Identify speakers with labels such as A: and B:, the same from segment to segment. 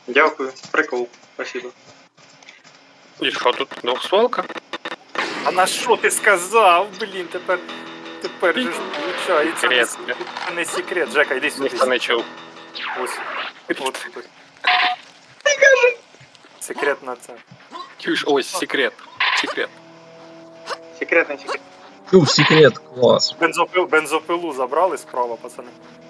A: Дякую, прикол, спасибо.
B: І що тут двохстволка?
C: А на що ти сказав? Блін, тепер же ж виходить,
B: Секрет.
C: це не секрет. Жека, йди сюди.
B: Ніхто не чув.
C: Ось. От тут. Секрет на це.
B: Чуєш, ось, секрет. Секрет.
A: Секретний секрет.
D: Секрет, класс.
C: Бензопилу забрали справа, пацани.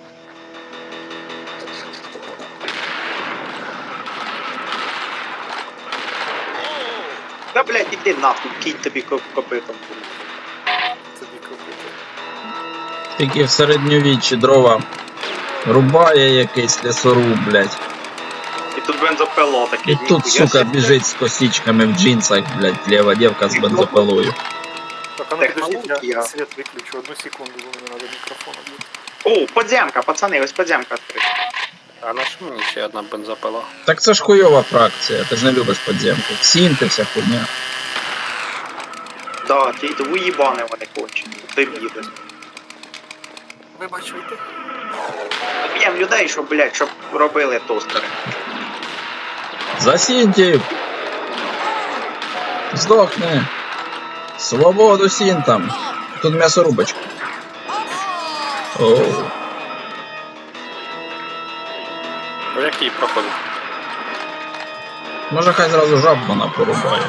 A: Да, блядь, іди нахуй, кінь тобі копитом.
C: Тобі купити.
D: Тільки в середньовіччі дрова рубає якийсь лісоруб, блядь.
A: І тут бензопило таке.
D: І тут, сука, біжить з косичками в джинсах, блядь, лєва дівка з бензопилою.
C: Так, а ну підождіть,
A: Технологія.
C: я світ виключу. Одну секунду, бо мені треба мікрофон об'єднати.
A: О, подземка, пацани, ось подземка відкрита.
B: А на що мені ще одна бензопила?
D: Так це ж хуйова фракція, ти ж не любиш подземку. Сінти вся хуйня.
A: Да, ті уїбани вони кончені. Дебіли.
C: Вибачуйте.
A: Б'єм людей, щоб, блядь, щоб робили тостери.
D: За сінтів! Здохни! Свободу сінтам! Тут м'ясорубочка. Оу.
B: По якій проходить?
D: Може хай зразу жаб вона порубає.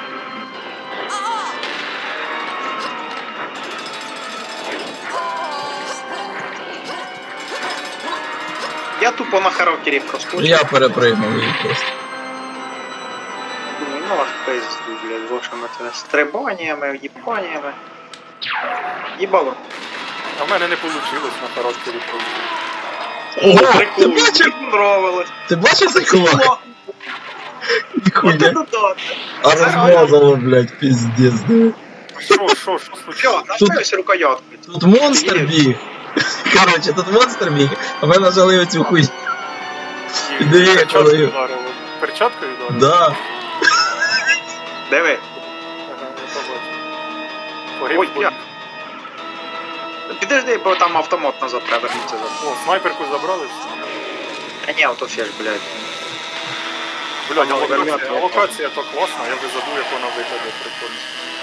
A: Я тупо на характері проскочив.
D: Я перепригнув її просто.
A: Думаю, ну аж пизду, блядь, з вашими цими стрибаннями, їбаннями. Їбало.
C: А в мене не вийшло на характері пройти.
D: Ого,
A: прикол,
D: ти бачив?
A: мені нравилось.
D: Ти бачиш цей кулак?
A: От
D: Ніхуя.
A: это да.
D: А розмазало, блядь, пиздец, да.
C: Що
A: Чо,
C: случилось?
A: наставився рукоятку.
D: Тут монстр біг. Короче, тут монстр біг, а ми нажали оцю хуйню. Диви, як
C: Перчаткою
D: воно.
C: ударило. Перчаткою ударило?
D: Да.
A: Диви.
C: Ага, я побачив.
A: Ой,
C: Погиб
A: я.
C: бой.
A: Підожди, бо там автомат назад треба вернутися.
C: О, снайперку забрали?
A: А ні, ото ще ж, блядь.
C: Блядь, а
B: Вернете,
C: локація то класна, я вже забув, як вона виглядає прикольно.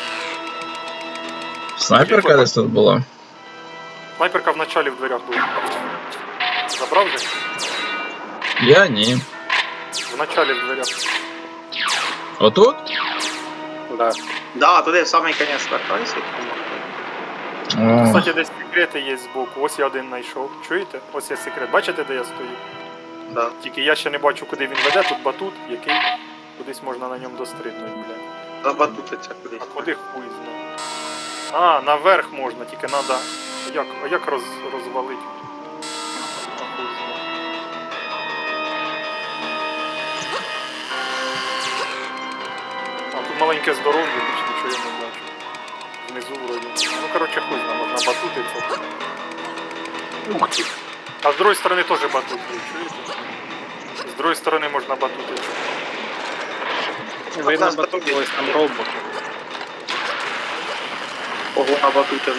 D: Снайперка десь тут була.
C: Снайперка в началі в дверях була. Забрав же?
D: Я ні.
C: В началі в дверях.
D: Отут?
B: Да.
A: Да, туди в самий кінець вертайся.
D: О,
C: Кстати, десь секрети є збоку. Ось я один знайшов. Чуєте? Ось є секрет. Бачите, де я стою?
A: Да.
C: Тільки я ще не бачу, куди він веде. Тут батут, який кудись можна на ньому дострибнути, блядь.
A: Забатутиться кудись.
C: А куди хуй знає. А, наверх можна, тільки треба. Як розвалити? А хуй знає. А тут маленьке здоров'я, більш нічого я не бачу. Внизу вроді. Ну коротше хуй знає, можна батутиться.
B: Ух ти.
C: А з другої сторони теж батут є, чуєте? З другої сторони можна батутитися.
B: Видно,
A: нас
B: бо
A: потім
B: тут
A: є.
B: ось там робот.
A: Ого, на батуті.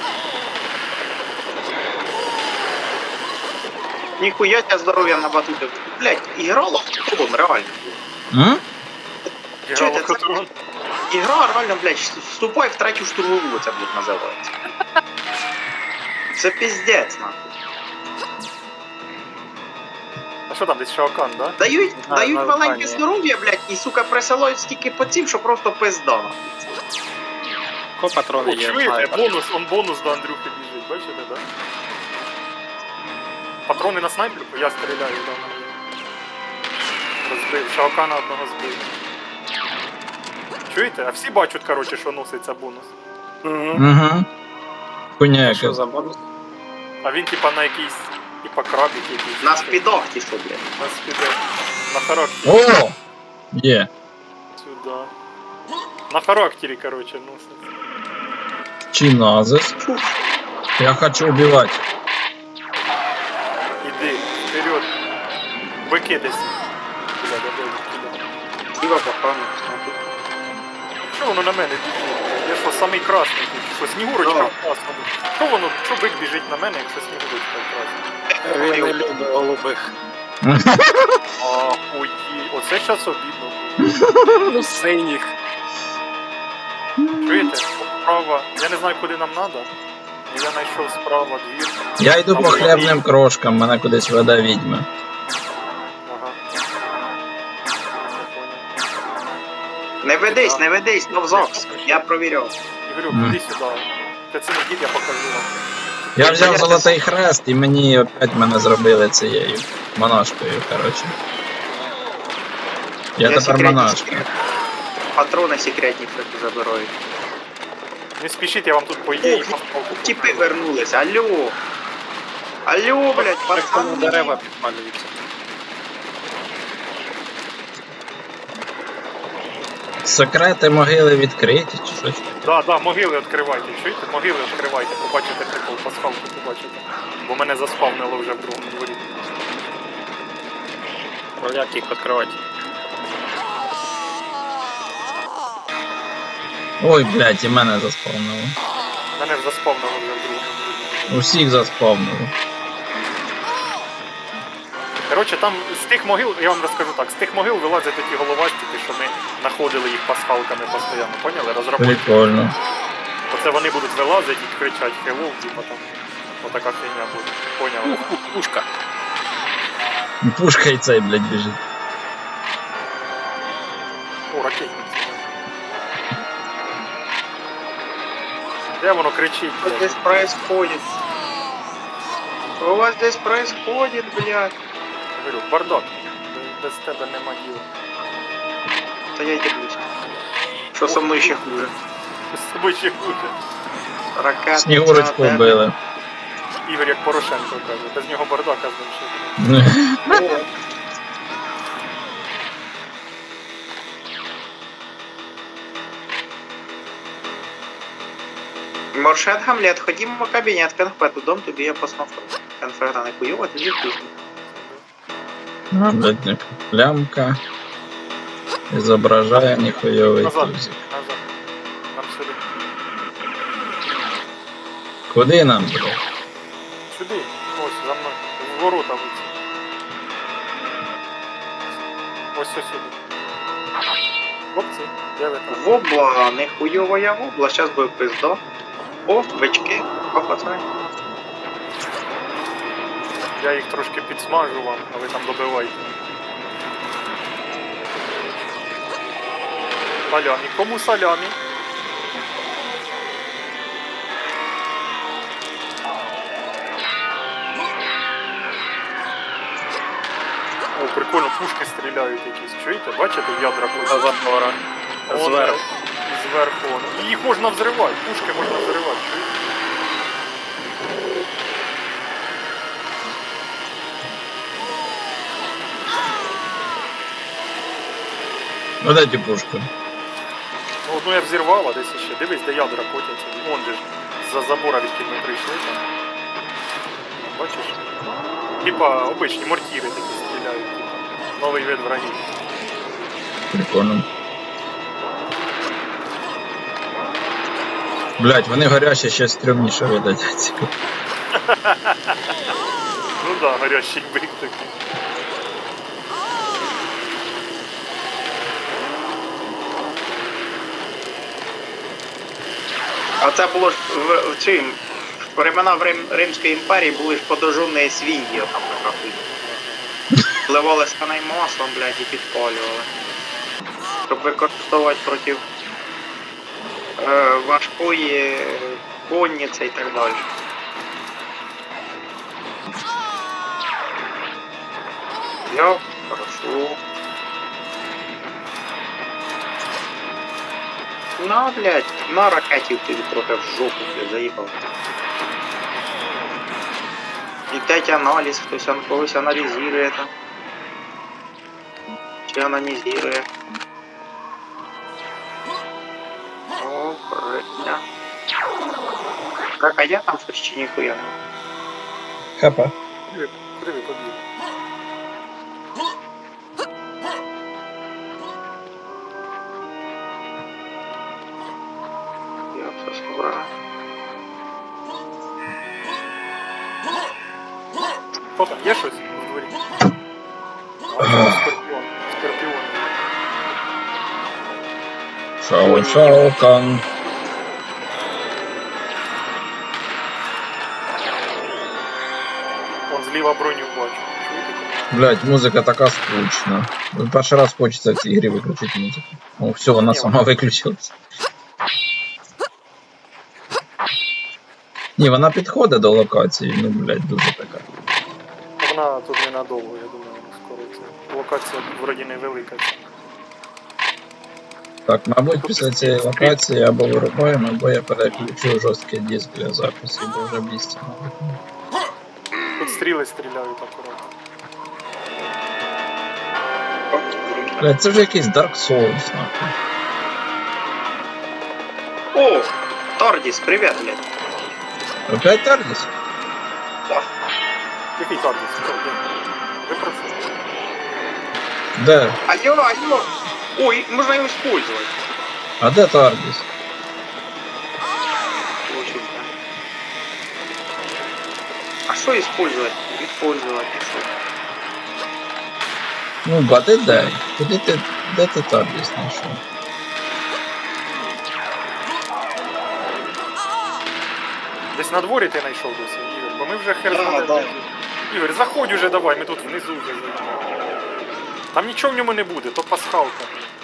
A: Ніхуя тебе здоров'я на батуті. Блядь, іграло в клубом, реально.
D: М?
A: Чуєте,
C: Грало
A: це-
C: Катрон.
A: Ігра реально, блядь, вступай в третю штурмову, це блядь, називається. Це піздець, нахуй.
C: А що там, десь Шаокан, да?
A: Дають
B: на
A: маленьке
B: Україні.
A: здоров'я, блядь, і, сука, присилають стільки паців, що просто пизда, нахуй.
B: Ко патрони
C: О,
B: є?
C: чуєте,
B: снайпер?
C: бонус до Андрюхи біжить, бачите, да? Патрони на снайперку, я стріляю, да, в мене є. Розбив, Шаокана одного збив. Чуєте? А всі бачать, коротше, що носиться бонус.
B: Угу.
D: Угу. Хуйня
B: Що
D: яка.
B: за бонус?
C: А він типа на якийсь, типа крабик якийсь.
A: На спідах ті, що, блядь.
C: На спіде. На характері.
D: О! Є.
C: Сюда. На характері, коротше, носиться.
D: Чиназис. Я хочу убивать.
C: Іди, вперед. Бики десь. Бля, кидай.
A: Діва похану.
C: Що воно на мене біжить? Я що, самий красний тут? Що, Снігурочка
A: Да.
C: в красному? Що воно, що бик біжить на мене, якщо Снігурочка в красному?
B: Він не любить голубих.
C: Ой, оце щас обідно було.
B: Ну, синіх.
C: Чуєте? Справа. Я не знаю, куди нам треба. Я знайшов справа двір.
D: Я йду по хлібним крошкам, мене кудись веде відьма.
C: Ага.
A: Не ведись, но в ЗОГС. Я провіряв.
C: Ігорю, іди сюди. Ти це не дід, я покажу вам.
D: Я взяв золотий хрест і мені опять мене зробили цією монашкою, коротше. Я тепер
A: секретні
D: монашка.
A: секрет- Патрони секретні забирають.
C: Не спішіть, я вам тут по ідеї палку
A: Тіпи
C: покажу.
A: вернулись, алло. Алло, блядь,
B: Так само
A: пацани.
B: дерева підпалюються.
D: Секрети могили відкриті чи щось таке.
C: Да, могили відкривайте, чуєте? Могили відкривайте, побачите прикол, пасхалку побачите. Бо мене заспавнило вже в другому дворі.
B: Як їх відкривати?
D: Ой, блядь, і мене заспавнило.
C: Мене заспавнило вже в другому дворі.
D: Усіх заспавнило.
C: Коротше, там з тих могил, я вам розкажу так, з тих могил вилазять такі головастики, що ми знаходили їх пасхалками постійно, поняли? Розробити.
D: Прикольно.
C: Оце вони будуть вилазити і кричати hello, типа там. Отака фігня буде. Поняли?
B: Пушка.
D: Пушка і цей, блядь, біжить.
C: О, ракетниця. Де воно кричить,
A: Что
C: блядь?
A: здесь происходит? Что у вас здесь происходит, блядь?
C: Говорю, бардак. Без тебе нема діла.
A: Да я дивлюсь. Что со мной еще хуже?
C: З тобою ще хуже.
A: Ракета.
D: Снігурочку вбили.
C: Ігор як Порошенко каже, без нього бардака з ним ще.
A: Маршет Гамлет, ходімо в кабінет, конфету, дом тобі я посмотрю. Конфета не хуйова, тоді вкусно.
D: А, блядь, не плямка. Изображая нихуевый
C: Назад.
D: тузик.
C: Назад. Нам сюди.
D: Куди нам, блядь?
C: Сюди. Ось, за мною. В ворота вийти. Ось сюди. Хлопці, де ви там?
A: Вобла, не хуйова я вобла, щас буде пизда. О, бички, о, пацани.
C: Я їх трошки підсмажу вам, а ви там добивайте. Салямі. Кому салямі? О, прикольно, пушки стріляють якісь. Чуєте? Бачите, ядра
B: За
C: просто.
B: забора. Зверху.
C: Зверху. І їх можна взривати, пушки можна взривати, чуєте?
D: Вот эти пушки.
C: Ну, одну я взірвав, а десь ще. Дивись, де ядра котяться. Вон же ж, за забора, від ми прийшли там. Бачиш? Типа обичні мортіри такі стріляють. Типа. Новий вид врагів.
D: Прикольно. Блять, вони горячі ще стрімніше видать.
C: Ну да, горящий бик такий.
A: А це було ж в чим? В времена Римської імперії були ж подожжені свиньї, там така хуйня. Вливали сканай маслом, блядь, і підпалювали. Щоб використовувати проти важкої конниці і так далі. Я хорошо. На, блядь, на ракетів тобі трохи в жопу, блядь, заїбав. І третій аналіз, хтось когось аналізує там. Чи аналізує. О, прикольно. Так, а я там щось чи ніхуя не.
D: Хапа.
C: Куди ви побігли?
A: Я все собрав.
C: Хто там? Є щось у дворі? Скорпіон. Скорпіон.
D: Шао Кан.
C: Вон зліва броню бачу. Чуєте?
D: Блять, музика така скучна. Перший раз хочеться в цій грі виключити музику. О, все, вона сама виключилась. Ні, вона підходить до локації, ну, блять, дуже така.
C: Вона тут ненадовго, я думаю, скоро це. Локація вроді невелика.
D: Так, мабуть, після цієї локації або вирубаємо, або я переключу жорсткий диск для запису, бо вже місця, мабуть.
C: Тут стріли стріляють акуратно.
D: Блять, це вже якийсь Dark Souls, нахуй.
A: О, Тордіс, привіт, блядь.
D: Опять Тардіс?
C: Який таргет? Хто? Де? Ви про це?
D: Де?
A: Алло. Ой, можно его использовать.
D: А де Тардіс?
A: Очень да. А что использовать? Использовать и что?
D: Ну, бати дай. Де ти Тардіс знайшов?
C: Десь на дворі ти знайшов досі, Ігор, бо ми вже хер
A: Да,
C: знаємо.
A: да.
C: Ігор, заходь уже давай, ми тут внизу вже. Там нічого в ньому не буде, то пасхалка.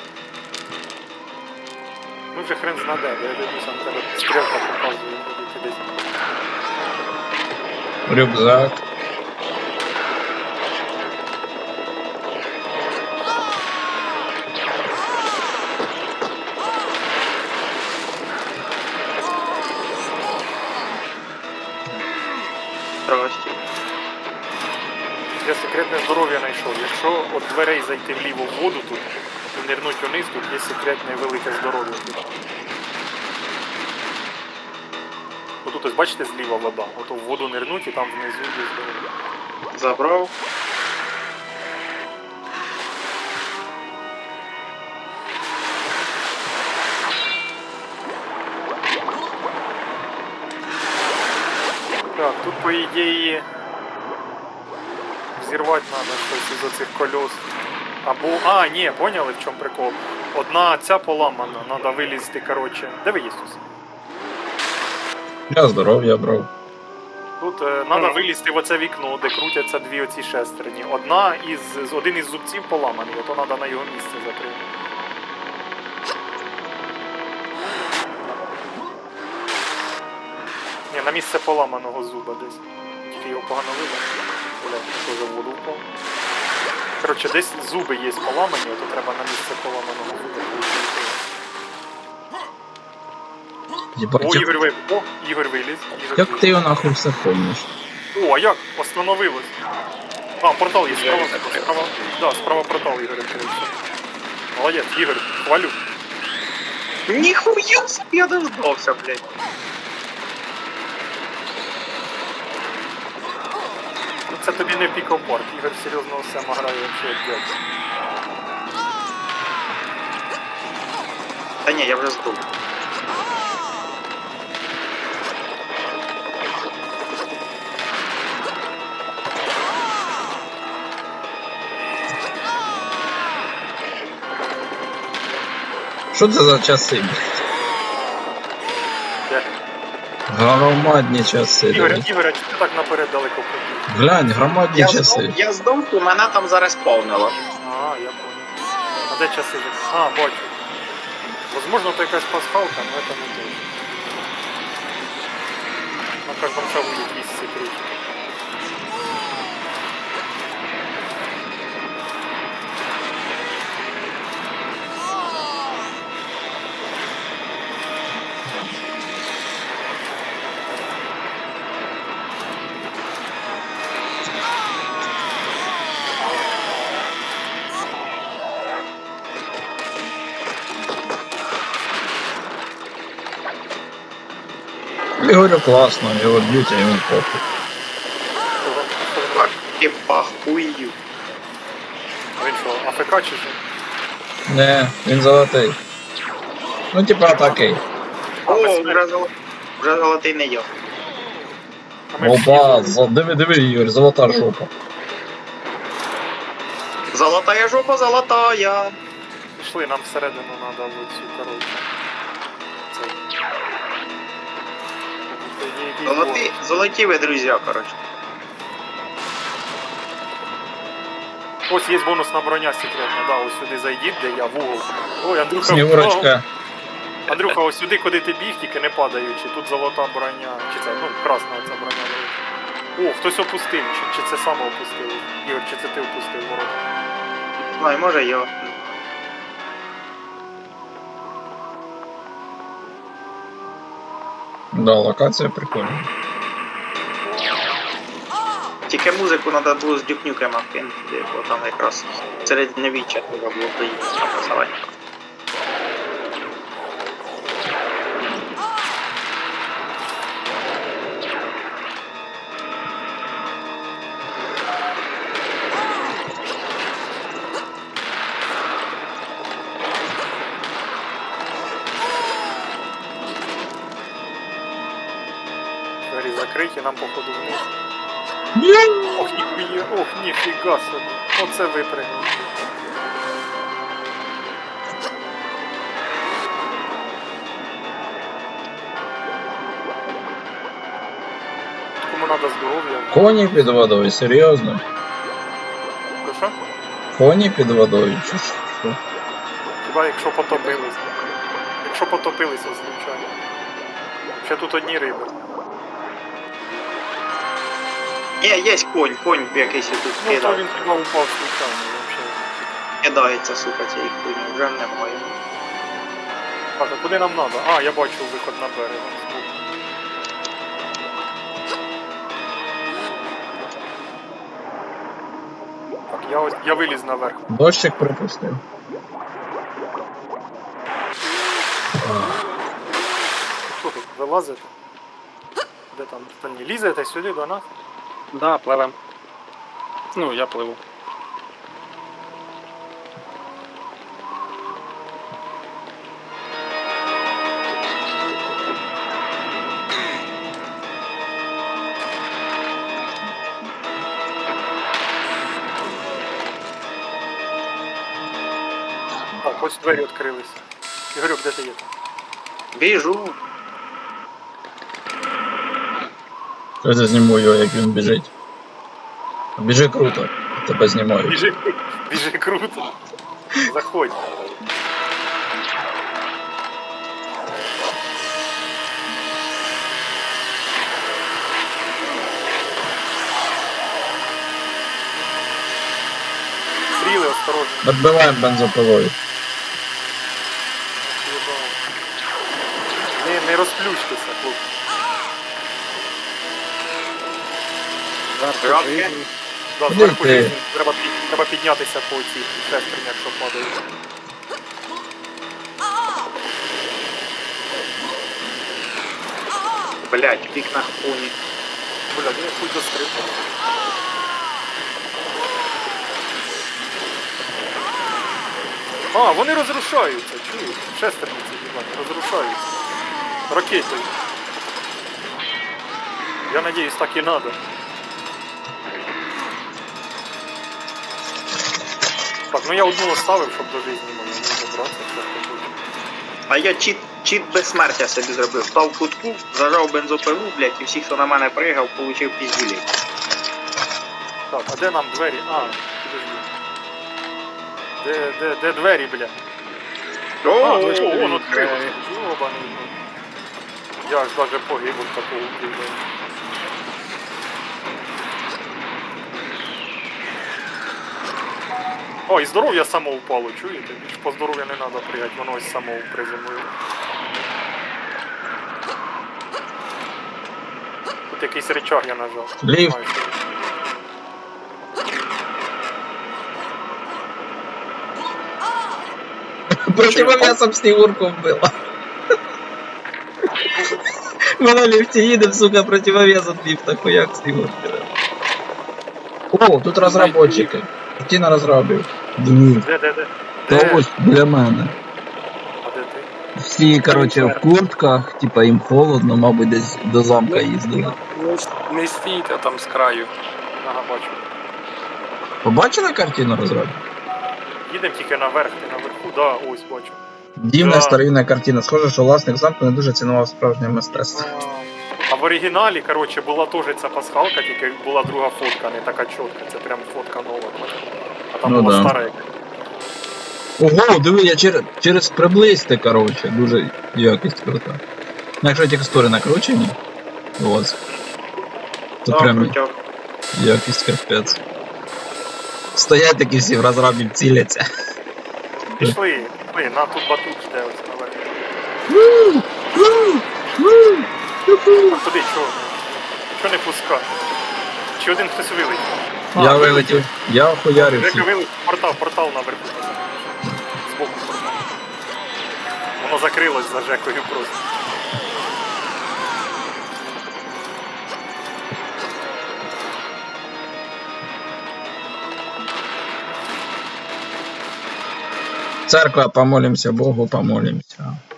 C: Ми вже хрен знаде, бо я дивлюся, на тебе стрілка показує, куди ти десь.
D: Рюкзак.
A: Здрасте.
C: Я секретне здоров'я знайшов. Якщо від дверей зайти вліво в воду тут і нирнуть вниз, тут є секретне велике здоров'я. Отут ось бачите зліва вода. Ото в воду нирнуть і там внизу є здоров'я.
A: Забрал.
C: Так, тут по ідеї взірвати треба щось із оцих кольос. Або... А, ні, поняли в чому прикол? Одна ця поламана, треба вилізти, коротше. Де ви є тут?
D: Я здоров'я брав.
C: Тут треба вилізти в оце вікно, де крутяться дві оці шестерні. Один із зубців поламаний, ото треба на його місце закрити. Ні, на місце поламаного зуба десь. Тільки його погано видно. Блядь, теж в воду впав. Коротше, десь зуби є поламані, ото треба на місце поламаного зуба.
D: Єбать,
C: О, Ігор виліз. О, Ігор виліз.
D: як ти його нахуй все помниш?
C: О, а як? Остановилось. А, портал є, справа. Да, справа портал, Ігор, відкрився. Молодець, Ігор, хвалю.
A: Нихуя себе я дождался, блядь.
C: Ну це тобі не пікопорт, Ігор серйозно все грає вообще як дядь.
A: Да не, я уже сдул.
D: Що це за часи, блядь?
C: Де?
D: Громадні часи,
C: Ігор,
D: дивись.
C: Ігор, а чому ти так наперед далеко побіг?
D: Глянь, громадні часи.
A: Я сдул, и меня там зараз повнило.
C: А, я понял. А де часи? А, бачу. Возможно, то якась пасхалка, но это не точно. На каждом шагу якісь секрети.
D: Я говорю, класно, його б'ють, а йому похуй.
A: И похую.
C: А він що, АФК чи що?
D: Не, він золотий. Ну, типа такий.
A: О, уже золотий не я.
C: А ми всі
D: Опа, диви, Ігор, золота жопа.
A: Золотая жопа, золотая.
C: Пішли, нам всередину треба в цю, коротше. Цей. Тут є якийсь
A: Золоті ви, друзі, коротше.
C: Ось є бонусна броня секретна, да, ось сюди зайдіть, де я в угол. Ой, Андрюха,
D: Снігурочка.
C: Андрюха, ось сюди, куди ти біг, тільки не падаючи. Тут золота броня. Чи це, ну, красна ця броня. О, хтось опустив, чи це саме опустив? Ігор, чи це ти опустив ворота?
A: Ну, і може його.
D: Да, локація прикольна.
A: Тільки музику треба було з дюкнюками кинути, бо там якраз середньовіччя треба було доїхати написати.
C: Двері закриті, нам походу вниз. Ох, ніхуя, ох, ніфіга собі. Оце випрыгнув. Кому треба здоров'я?
D: Коні під водою, серйозно?
C: Ну що?
D: Коні під водою, чи що?
C: Хіба якщо потопилися. Якщо потопилися, звичайно. Ще тут одні риби.
A: Є конь якийсь тут
C: Ну, то
A: кидає.
C: він хіба упав случайно, взагалі.
A: Кидається, сука, цієї хуйні, вже немає.
C: Так, а куди нам треба? А, я бачу виход на берег. вон збоку. Так, я виліз наверх.
D: Дощик припустив.
C: Що тут, вилазите? Де там остальні? Лізете сюди до нас?
B: Да, пливем. Ну, я пливу.
C: Так, ось двері відкрилися. Ігорюк, де ти є там?
A: Біжу.
D: Я зніму його, як він біжить. Біжи круто, тебе знімаю.
C: Біжи круто. Заходь. Стріли, осторожно.
D: Відбиваємо бензопилою.
C: Не розплющтеся, хлопці.
B: Жарко
A: Жарко.
B: жизни.
C: Да,
D: Куди
C: зверху
D: ти?
C: жизнь. Треба піднятися по цій шестерні, якщо падають.
A: Блять, пік на хуні.
C: Бля, я хуй дострибну. А, вони розрушаються, чуєш? Шестерні ці дівані, розрушаються. Ракетою. Я надіюсь, так і надо. Так, ну я одну оставив, щоб до житті мені не добратися, що таке.
A: А я чіт безсмертя собі зробив. Став в кутку, зажав бензопилу, блять, і всіх, хто на мене пригав, получив піздюлей.
C: Так, а де нам двері? А, підожди. Де двері, бля? А, точно, вон відкрилося. Йобаний. Я аж даже погиб від такого впливу. О, і здоров'я само упало, чуєте? Більш по здоров'я не треба пригати, воно ось само приземлило. Тут якийсь речаг я нажав.
D: Ліфт.
C: Знаю, що-
D: Противовесом Снігурку вбила. Ми на ліфті їдемо, сука, противовес від ліфта, хуяк Снігурки. О, тут розробники. Ті на розробів. Диви.
C: Де?
D: Та ось біля мене.
C: А де ти?
D: Всі, короче, в куртках, типа їм холодно, мабуть, десь до замка їздили.
B: Не стійте там з краю.
C: Ага, бачу.
D: Побачили картину розробів?
C: Їдемо тільки наверх, ти наверху, да, ось бачу.
D: Дивна
C: Да.
D: старинна картина. Схоже, що власник замку не дуже цінував справжнє мистецтво.
C: А в оригіналі, коротше, була теж ця пасхалка, тільки була друга фотка, не така чітка, це прям фотка нова. бачиш? А там
D: Ну
C: була
D: да.
C: стара яка.
D: Ого, диви, я через приблизьте, коротше, дуже якість крута. Ну, якщо текстури накручені, у вас, то
A: Да,
D: прям
A: крутяк.
D: якість капець. Стоять такі всі в розрабі ціляться.
C: Пішли, на тут батут жде ось наверх. А туди чого? Чого не пускати? Чи один хтось вилетів?
D: Я вилетів, я охуярився.
C: Жека вилетів, портал наверху. Збоку портал. Воно закрилось за Жекою просто.
D: Церква, помолимся Богу, помолимся.